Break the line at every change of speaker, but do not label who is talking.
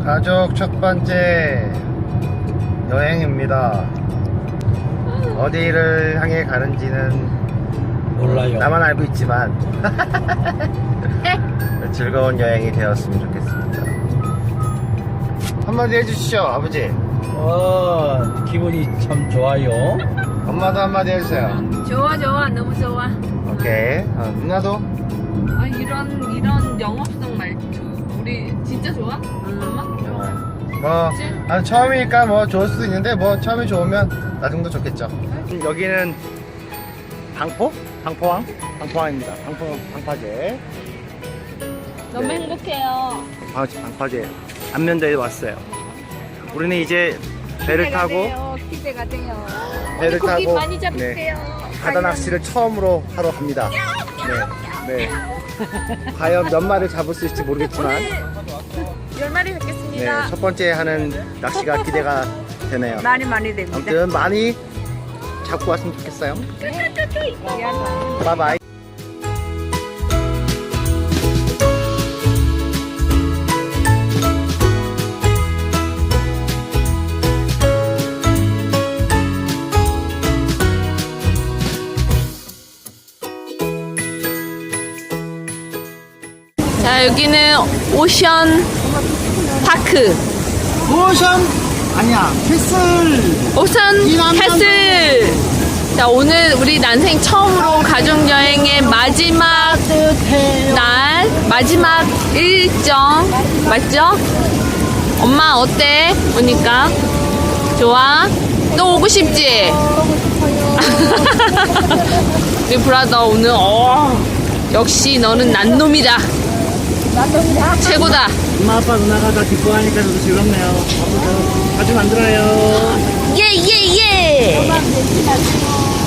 가족 첫 번째 여행입니다. 어디를 향해 가는지는
몰라요.
나만 알고 있지만 즐거운 여행이 되었으면 좋겠습니다. 한마디 해주시죠, 아버지.
기분이 참 좋아요.
엄마도 한마디 해주세요.
좋아 너무 좋아.
오케이. 누나도.
아 이런 영업성 말투 우리 진짜 좋아? 엄마?
뭐 처음이니까 뭐 좋을 수도 있는데 뭐 처음이 좋으면 나중도 좋겠죠. 여기는 방포항입니다. 방파제.
너무
네.
행복해요.
방파제 안면대에 왔어요. 우리는 이제 배를 타고
기대가 돼요.
배를
고기
타고
많이 잡을게요.
바다 낚시를 처음으로 하러 갑니다. 네. 과연 몇 마리를 잡을 수 있을지 모르겠지만
10마리
네,
뵙겠습니다.
첫 번째 하는 낚시가 기대가 되네요.
많이 됩니다.
아무튼 많이 잡고 왔으면 좋겠어요. 바이바이.
자 여기는 오션 파크.
오션 아니야 캐슬.
오션 캐슬. 자 오늘 우리 난생 처음으로 가족여행의 마지막 날 마지막 일정 맞죠? 엄마 어때? 오니까 좋아? 또 오고 싶지? 우리 브라더 오늘 역시 너는 난놈이다. 최고다.
엄마 아빠 누나가 다 기뻐하니까 저도 즐겁네요. 앞으로 자주 만들어요.
예.